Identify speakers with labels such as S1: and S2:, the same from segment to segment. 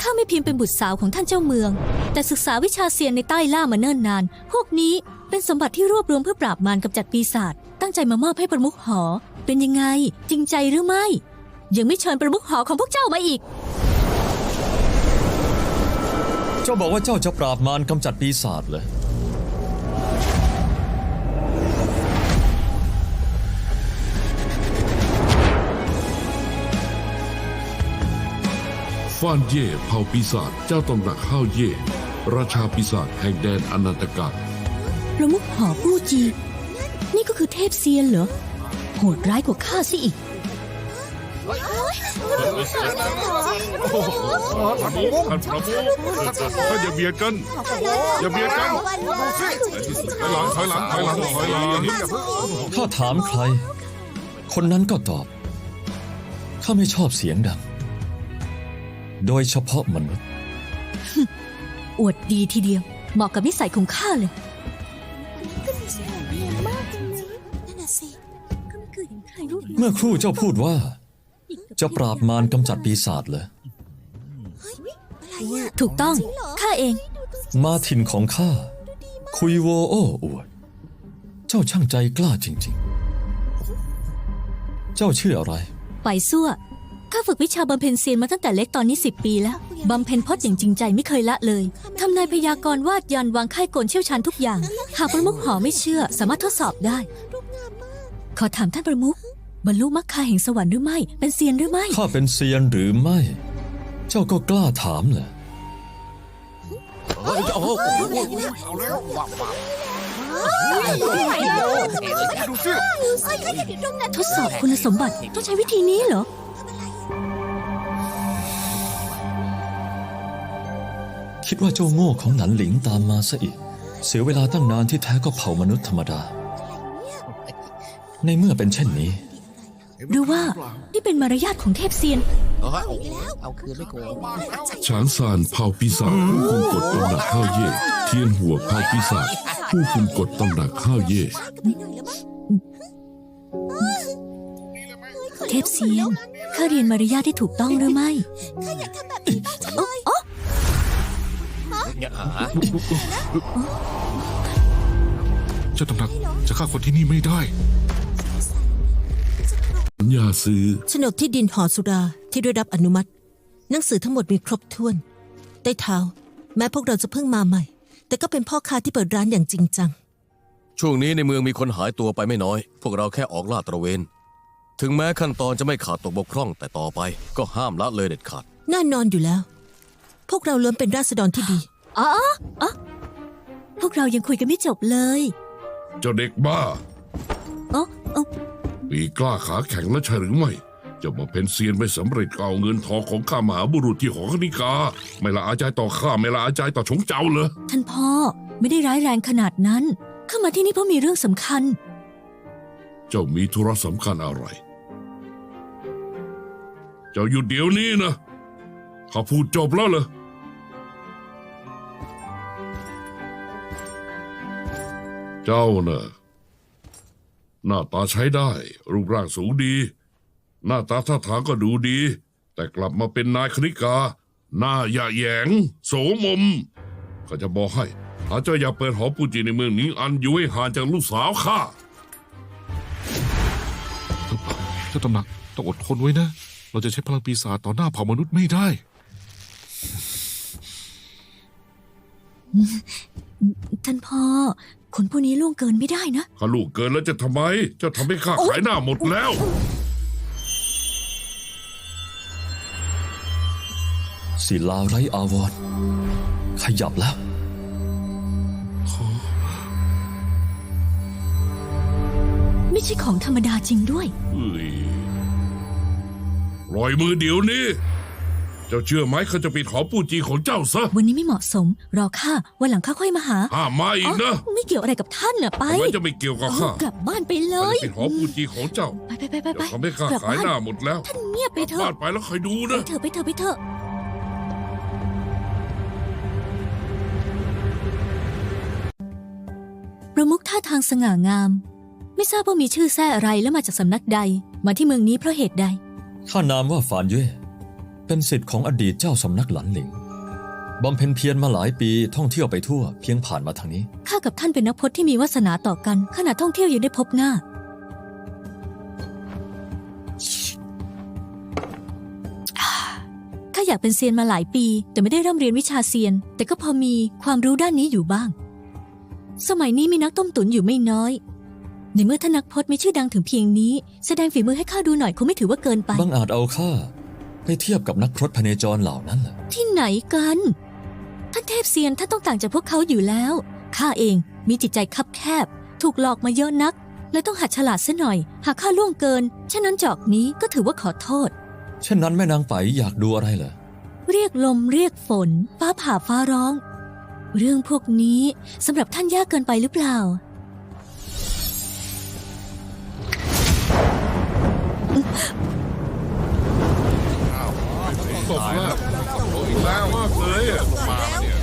S1: ข้าไม่เพียงเป็นบุตรสาวของท่านเจ้าเมือง แต่ศึกษาวิชาเซียนในใต้ล่ามาเนิ่นนานพวกนี้เป็นสมบัติที่รวบรวมเพื่อปราบมารกำจัดปีศาจตั้งใจมามอบให้ประมุขหอเป็นยังไงจริงใจหรือไม่ยังไม่เชิญประมุขหอของพวกเจ้ามาอีก
S2: เจ้าบอกว่าเจ้าจะปราบมารกำจัดปีศาจเลย
S3: ฟ่านเย่เผ่าปีศาจเจ้าตำหนักข้าวเย่ราชาปีศาจแห่งแดนอนันตกาล
S1: ประมุขหอผู้จีนี่ก็คือเทพเซียนเหรอโหดร้ายกว่าข้าซิอีก
S3: ท่านอย่าเบียดกันอย่าเบียดกันถอยหลัง
S2: ข้าถามใครคนนั้นก็ตอบข้าไม่ชอบเสียงดังโดยเฉพาะมนุษย์
S1: อวดดีทีเดียวเหมาะกับนิสัยของข้าเลย
S2: เมื่อครู่เจ้าพูดว่าจะปราบมารกำจัดปีศาจเลย
S1: ถูกต้องข้าเอง
S2: มาถิ่นของข้าคุยโวโอ้อวดเจ้าช่างใจกล้าจริงๆเจ้าชื่ออะไร
S1: ไปซั่วข้าฝึกวิชาบำเพ็ญเซียนมาตั้งแต่เล็กตอนนี้10 ปีแล้วบำเพ็ญพจน์อย่างจริงใจไม่เคยละเลยทำนายพยากรณ์วาดยันวางค่ายกลเชี่ยวชาญทุกอย่างหากประมุขหอไม่เชื่อสามารถทดสอบได้ขอถามท่านประมุขบรรลุมรรคาแห่งสวรรค์หรือไม่เป็นเซียนหรือไม่
S2: ข้าเป็นเซียนหรือไม่เจ้าก็กล้าถามเหรอ
S1: ทดสอบคุณสมบัติต้องใช้วิธีนี้เหรอ
S2: คิดว่าเจ้าโง่ของหนันหลิงตามมาซะอีกเสียเวลาตั้งนานที่แท้ก็เผ่ามนุษย์ธรรมดาในเมื่อเป็นเช่นนี้
S1: หรือว่านี่เป็นมารยาทของเทพเซียน
S4: เอาคืนไม่โกง
S3: ฉางซานเผ่าปีศาจผู้คุมกฎตำหนักข้าวเย่เทียนหัวเผ่าปีศาจผู้คุมกฎตำหนักข้าวเย่
S1: เทพเซียนข้าเรียนมารยาทที่ถูกต้องหรือไม่
S4: ข้าอยากทำแบบนี้บ้างจังเลย
S3: เจ้าตำหนักจะฆ่าคนที่นี่ไม่ได้สัญญาซื้อ
S5: โฉนดที่ดินหอสุราที่ได้รับอนุมัติหนังสือทั้งหมดมีครบถ้วนใต้เท้าแม้พวกเราจะเพิ่งมาใหม่แต่ก็เป็นพ่อค้าที่เปิดร้านอย่างจริงจัง
S6: ช่วงนี้ในเมืองมีคนหายตัวไปไม่น้อยพวกเราแค่ออกลาดตระเวนถึงแม้ขั้นตอนจะไม่ขาดตกบกพร่องแต่ต่อไปก็ห้ามละเลยเด็ดขาด
S5: แน่นอนอยู่แล้วพวกเราล้วนเป็นราษฎรที่ดี
S1: พวกเรายังคุยกันไม่จบเลย
S3: เจ้าเด็กบ้ามีกล้าขาแข็งและใช่หรือไม่จะมาเป็นเซียนไม่สำเร็จก็เอาเงินทองของข้ามหาบุรุษที่หอคณิกาไม่ละอาใจต่อข้าไม่ละอาใจต่อชงเจ้าเลย
S1: ท่านพ่อไม่ได้ร้ายแรงขนาดนั้นข้ามาที่นี่เพราะมีเรื่องสำคัญ
S3: เจ้ามีธุระสำคัญอะไรเจ้าหยุดเดี๋ยวนี้นะข้าพูดจบแล้วเหรอเจ้าน่ะหน้าตาใช้ได้รูปร่างสูงดีหน้าตาท่าทางก็ดูดีแต่กลับมาเป็นนายคณิกาหน้าหยะแหยงโสมมข้าจะบอกให้ถ้าเจ้าอยากเปิดหอปูจีในเมืองนี้อันอยู่ให้ห่างจากลูกสาวข้า
S7: เจ้าตำหนักต้องอดทนไว้นะเราจะใช้พลังปีศาจต่อหน้าเผ่ามนุษย์ไม่ได้
S1: ท่านพ่อคนพวกนี้ล่วงเกินไม่ได้นะ
S3: ข้าล่วงเกินแล้วจะทำไมเจ้าทำให้ข้าขายหน้าหมดแล้ว
S2: ศิลาไร้อาวรณ์ขยับแล้ว
S1: ไม่ใช่ของธรรมดาจริงด้วย
S3: ปล่อยมือเดี๋ยวนี้เจ้าเชื่อไหมเขาจะปิดหอปูจีของเจ้าซะ
S1: วันนี้ไม่เหมาะสมรอข้าวันหลังข้าค่อยมาหา
S3: มาอีกนะ
S1: ไม่เกี่ยวอะไรกับท่านน่ะไป
S3: ทำไมจะไม่เกี่ยวกับข้าก
S1: ลับบ้านไปเลย
S3: ปิดหอปูจีของเจ้า
S1: ไป
S3: ทำให้ข้าขายหน้าหมดแล้ว
S1: ท่านเงียบไปเถอะ
S3: บ้านไปแล้วคอยดูนะ
S1: ไปเถอะประมุขท่าทางสง่างามไม่ทราบว่ามีชื่อแท้อะไรและมาจากสำนักใดมาที่เมืองนี้เพราะเหตุใด
S2: ข้านามว่าฝานเย่เป็นศิษย์ของอดีตเจ้าสำนักหลันหลิงบำเพ็ญเพียรมาหลายปีท่องเที่ยวไปทั่วเพียงผ่านมาทางนี้
S1: ข้ากับท่านเป็นนักพจน์ที่มีวาสนาต่อกันขณะท่องเที่ยวยังได้พบหน้าข้าอยากเป็นเซียนมาหลายปี แต่ไม่ได้ร่ำเรียนวิชาเซียน แต่ก็พอมีความรู้ด้านนี้อยู่บ้าง สมัยนี้มีนักต้มตุ๋นอยู่ไม่น้อย ในเมื่อท่านนักพจน์มีชื่อดังถึงเพียงนี้ แสดงฝีมือให้ข้าดูหน่อยคงไม่ถือว่าเกินไป
S2: บังอาจเอาข้าไปเทียบกับนักพรตพเนจรเหล่านั้นเหรอ
S1: ที่ไหนกัน ท่านเทพเซียนท่านต้องต่างจากพวกเขาอยู่แล้วข้าเองมีจิตใจคับแคบ ถูกหลอกมาเยอะนักเลยต้องหัดฉลาดซะหน่อย หากข้าล่วงเกินฉะนั้นจอกนี้ก็ถือว่าขอโทษ
S2: เช่นนั้นแม่นางไปอยากดูอะไรเหรอ
S1: เรียกลมเรียกฝน ฟ้าผ่าฟ้าร้อง เรื่องพวกนี้สำหรับท่านยากเกินไปหรือเปล่า
S3: ตบแล้วอีกแล้วมากเลยอ่ะมาเนี่ย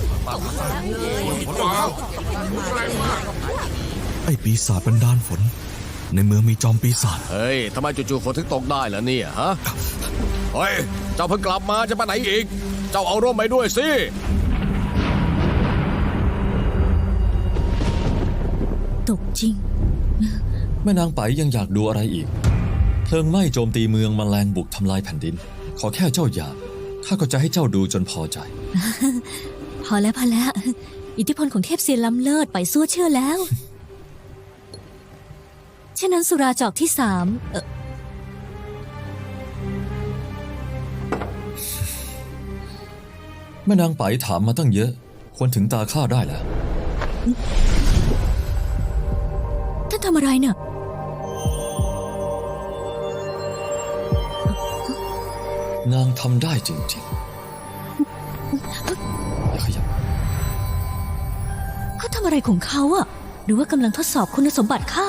S3: ว้าวแรงมาก
S8: ไอ้ปีศาจบันดาลฝน ในเมืองมีจอมปีศาจ
S6: เฮ้ย ทำไมจู่ๆฝนถึงตกได้ล่ะเนี่ยฮะ เฮ้ย เจ้าเพิ่งกลับมาจะไปไหนอีก เจ้าเอาร่มไปด้วยสิ
S1: ตกจริง
S2: แม่นางไปยังอยากดูอะไรอีก เพลิงไหม้โจมตีเมืองแมลงบุกทำลายแผ่นดิน ขอแค่เจ้าอยากข้าก็จะให้เจ้าดูจนพอใจ
S1: พอแล้วอิทธิพลของเทพเซียนล้ำเลิศไปซั่วเชื่อแล้วเช่นนั้นสุราจอกที่3
S2: แม่นางไปถามมาตั้งเยอะ ควรถึงตาข้าได้แล้ว
S1: ท่านทำอะไรเนี่ย
S2: นางทำได้จริงๆอย่าขยับ
S1: เขาทำอะไรของเขาอะหรือว่ากำลังทดสอบคุณสมบัติข้า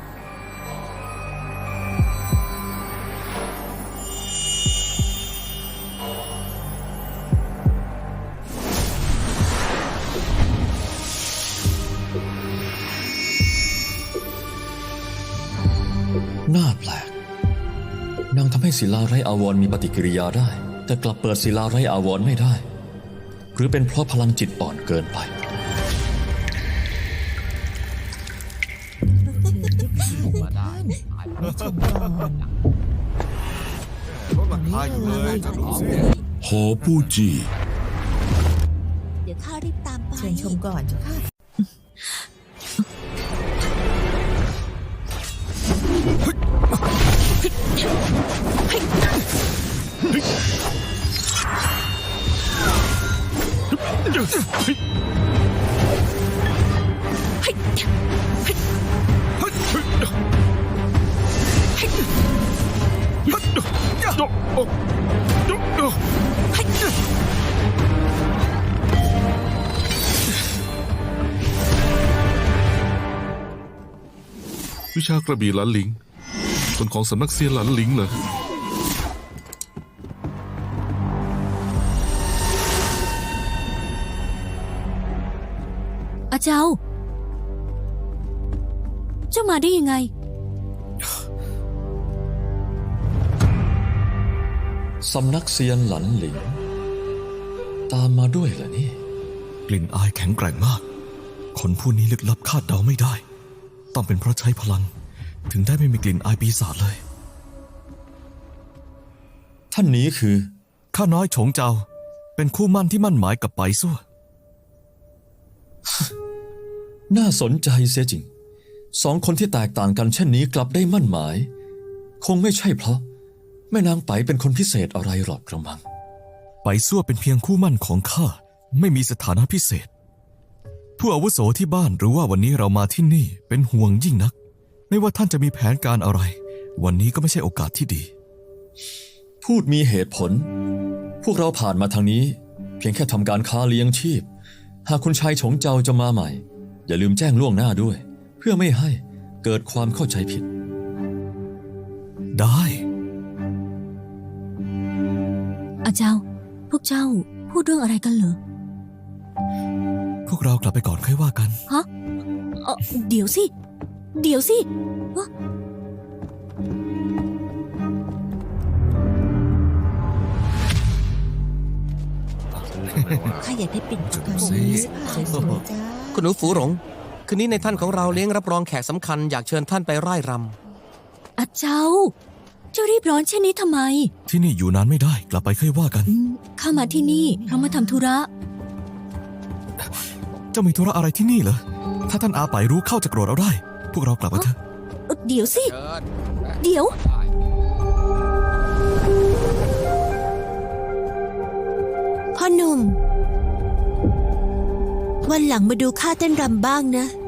S2: น่าแปลก นางทำให้ศิลาไร้อาวรณ์มีปฏิกิริยาได้ แต่กลับเปิดศิลาไร้อาวรณ์ไม่ได้ หรือเป็นเพราะพลังจิตอ่อนเกินไป
S3: หอปู้จี
S4: เดี๋ยวข้ารีบตามไป
S5: เชิญชมก่อนเจ้าค่ะ
S7: วิชากระบี่หลันหลิงคนของสำนักเซียนหลันหลิงเหรอ
S1: อาเจ้า เจ้ามาได้ยังไง
S2: สำนักเซียนหลันหลิง ตามมาด้วยเหรอนี่
S8: กลิ่นอายแข็งแกร่งมาก คนผู้นี้ลึกลับคาดเดาไม่ได้ ต้องเป็นเพราะใช้พลัง ถึงได้ไม่มีกลิ่นอายปีศาจเลย
S2: ท่านนี้คือ
S8: ข้าน้อยโฉงเจ้า เป็นคู่มั่นที่มั่นหมายกับไปซั่ว
S2: น่าสนใจเสียจริง สองคนที่แตกต่างกันเช่นนี้กลับได้มั่นหมาย คงไม่ใช่เพราะแม่นางไปเป็นคนพิเศษอะไรหรอกกระมัง
S8: ไปซั่วเป็นเพียงคู่มั่นของข้า ไม่มีสถานะพิเศษ ผู้อาวุโสที่บ้านหรือว่าวันนี้เรามาที่นี่เป็นห่วงยิ่งนัก ไม่ว่าท่านจะมีแผนการอะไร วันนี้ก็ไม่ใช่โอกาสที่ดี
S2: พูดมีเหตุผล พวกเราผ่านมาทางนี้ เพียงแค่ทำการค้าเลี้ยงชีพ หากคุณชายฉงเจ้าจะมาใหม่ อย่าลืมแจ้งล่วงหน้าด้วย เพื่อไม่ให้เกิดความเข้าใจผิด
S8: ได้
S1: อาเจ้า พวกเจ้าพูดเรื่องอะไรกันเหรอ
S8: พวกเรากลับไปก่อนค่อยว่ากัน
S1: ฮะเดี๋ยวสิ เดี๋ยวสิวะ
S4: ข้าอยากได้ปิ่นทอง
S8: สิ
S4: สวยจ้า
S6: คุณหนูฝูหลง คืนนี้ในท่านของเราเลี้ยงรับรองแขกสำคัญอยากเชิญท่านไปร่ายร
S1: อาเจ้า เจ้ารีบร้อนเช่นนี้ทำไม
S8: ที่นี่อยู่นานไม่ได้ กลับไปค่อยว่ากัน
S1: ข้ามาที่นี่เพราะมาทำธุระ
S8: เจ้ามีธุระอะไรที่นี่เหรอ ถ้าท่านอาไปรู้เข้าจะโกรธเราได้ พวกเรากลับมาเถอะ
S1: เดี๋ยวสิ
S6: ำ
S1: เดี๋ยว
S5: พ่อหนุ่ม วันหลังมาดูข้าเต้นรำบ้างนะ